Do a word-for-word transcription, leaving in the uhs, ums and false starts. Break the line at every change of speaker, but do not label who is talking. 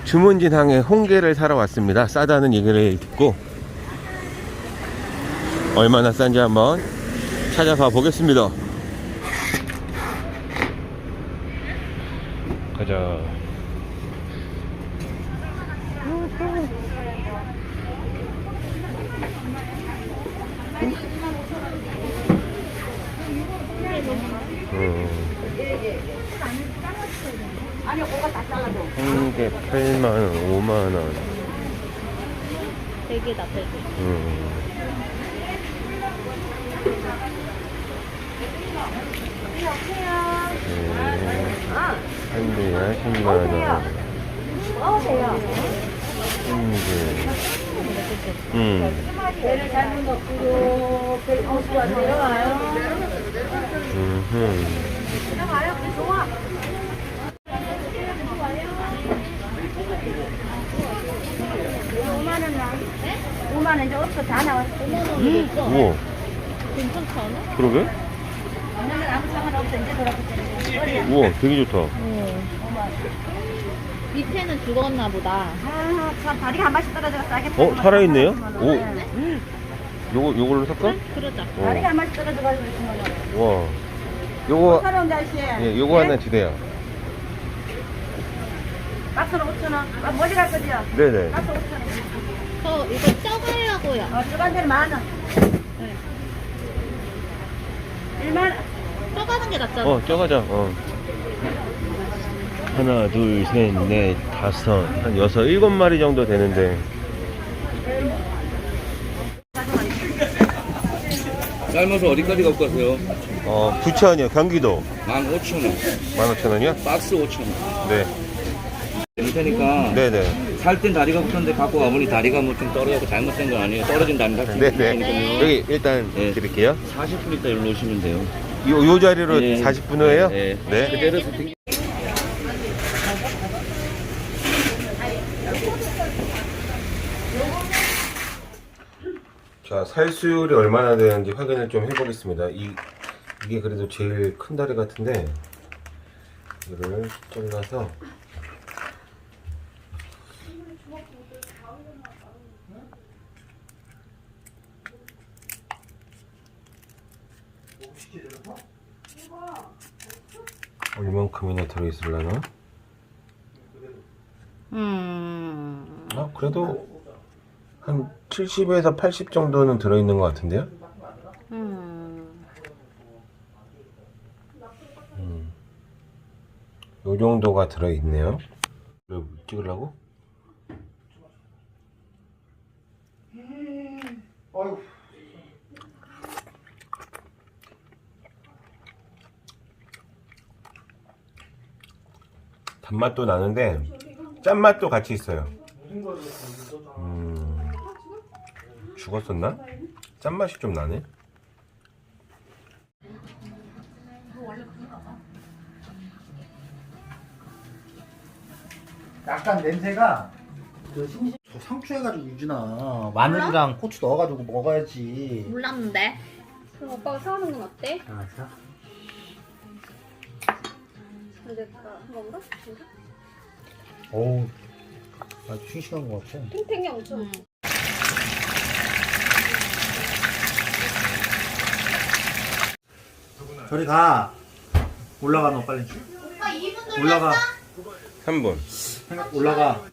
주문진항에 홍게를 사러 왔습니다. 싸다는 얘기를 듣고 얼마나 싼지 한번 찾아봐 보겠습니다. 가자. 음. 홍게 팔만 원, 오만 원.
대게다, 대게.
음. 한 대야 십만 원.
어서요.
홍게. 음.
배를 잘못 넣고 배고프가 내려와요.
음.
내려와요. 그래 좋아. 오만 원 나. 오만 원 이제 없어 다 나왔어.
음. 우와.
괜찮지 않아?
그러게?
오늘 아무 상관없어 이제 돌아보자.
우와, 되게 좋다.
어. 밑에는 죽었나 보다.
아, 참 다리가 한 발씩 떨어져서 싸게.
어, 살아있네요? 오.
네.
요거, 요걸로 살까?
그러자.
어.
다리가 한 발씩 떨어져가지고 있으면.
와. 요거,
서러운 날씨.
예, 요거 하나 주세요.
박스로 오천 원. 아, 멀리 갈 거지요?
네네.
박스 오천 원.
저 이거 쪄가려고요.
어, 저간 데는 만 원.
네.
일만 원.
쪄가는 게 낫잖아.
어, 쪄가자. 어. 하나, 둘, 셋, 넷, 다섯, 한 여섯, 일곱 마리 정도 되는데.
삶아서 어디까지 갖고 가세요?
어, 부천이요, 경기도.
만 오천 원.
만 오천 원이요?
박스 오천 원.
네.
될 테니까
네네.
살 땐 다리가 붙었는데 갖고 와보니 다리가 뭐 좀 떨어져서 잘못된 건 아니에요. 떨어진 다리가 좀
네네.
있으니까요.
여기 일단
네.
드릴게요.
사십 분 있다 일로 오시면 돼요.
요, 요 자리로
네.
사십 분 후에요?
네.
네.
그대로 세팅.
자, 살수율이 얼마나 되는지 확인을 좀 해보겠습니다. 이, 이게 그래도 제일 큰 다리 같은데, 이거를 잘라서, 얼만큼이나 들어있을라나?
음.
아, 그래도 한 칠십에서 팔십 정도는 들어있는 것 같은데요?
음.
음. 요 정도가 들어있네요. 이거 찍으려고? 단맛도 나는데 짠맛도 같이 있어요. 음, 죽었었나? 짠맛이 좀 나네.
약간 냄새가 그 심심 저 상추해가지고 유준아 마늘이랑 고추 넣어가지고 먹어야지.
몰랐는데.
그럼 오빠가 사오는 건 어때?
아, 자.
근데 한 건가? 진짜?
어우, 아주 싱싱한 것 같아.
탱탱이 엄청.
음.
저리 가. 올라가 너 빨리. 올라가.
삼 분.
올라가.